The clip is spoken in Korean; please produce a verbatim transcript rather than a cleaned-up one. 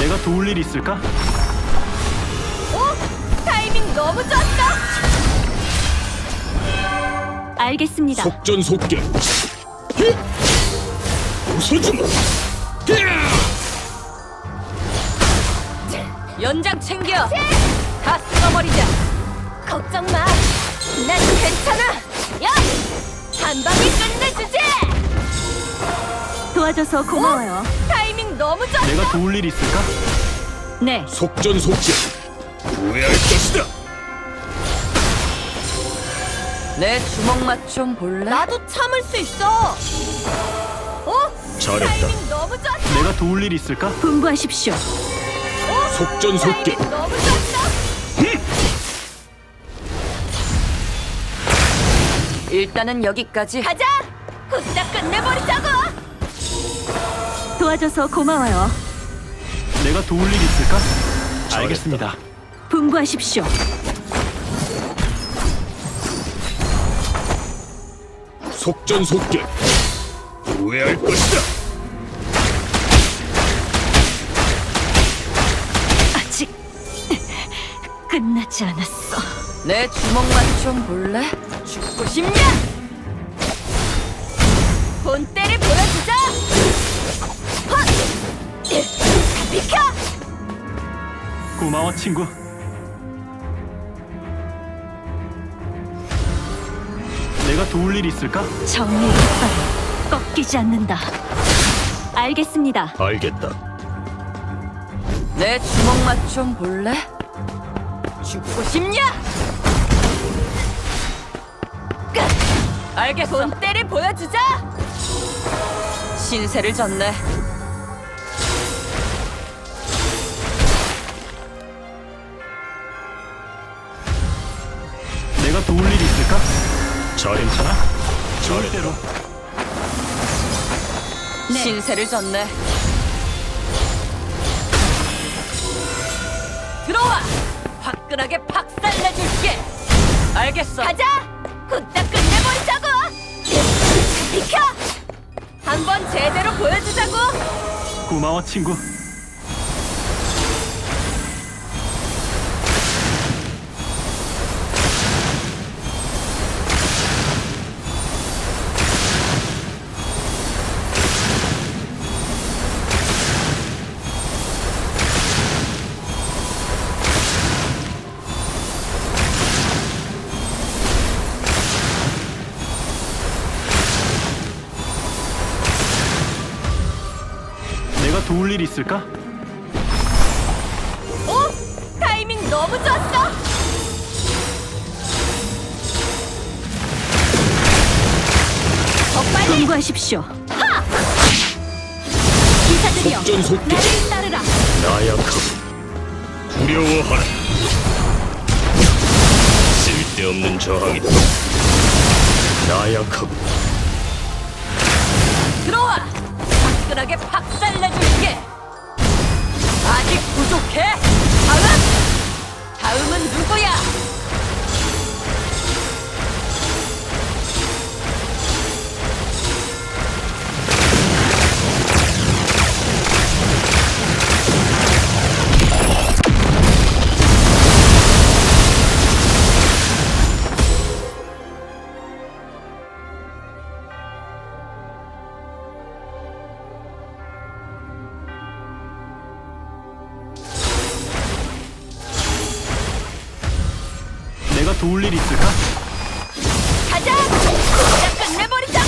내가 도울 일 있을까? 오! 타이밍 너무 좋았어! 알겠습니다. 속전속결. 히! 웃어주마. 연장 챙겨! 다 쓸어버리자! 걱정 마! 난 괜찮아! 야! 한 방에 끝내주지! 도와줘서 고마워요. 타이밍 너무 좋았어! 내가 도울 일 있을까? 네. 속전속결. 후회할 것이다. 내 주먹 맛 좀 볼래? 나도 참을 수 있어! 어? 잘했다. 타이밍 너무 좋았어! 내가 도울 일 있을까? 분부하십시오. 속전속결. 타이밍 너무 좋았어! 일단은 여기까지. 가자! 후딱 끝내버리자고! 도와줘서 고마워요. 내가 도울 일 있을까? 알겠습니다. 분부하십시오. 속전속결. 후회할 것이다. 아직 끝나지 않았어. 내 주먹 맛 좀 볼래? 죽고 싶냐? 본때를 보여주자! 헛! 비켜! 고마워 친구. 내가 도울 일 있을까? 정의의 깃발은 꺾이지 않는다. 알겠습니다. 알겠다. 내 주먹 맛 좀 볼래? 죽고 싶냐? 끝! 알겠어. 본때를 보여주자! 신세를 졌네. 내가 도울 일 있을까? 잘했다. 괜찮아? 좋을 대로. 신세를 졌네. 들어와! 화끈하게 박살내줄게! 알겠어. 가자! 후딱 끝내버리자고! 비켜! 한번 제대로 보여주자고! 고마워 친구. 내가 도울 일 있을까? 오! 타이밍 너무 좋았어! 더 빨리! 분부하십시오. 하! 기사들이여! 속전속결. 나를 따르라! 나약하고 두려워하라. 쓸데없는 저항이다. 나약하고 들어와! 화끈하게 박살내줄게! 아직 부족해! 다음! 다음은 누구야? 내가 도울 일 있을까? 가자! 후딱 끝내버리자!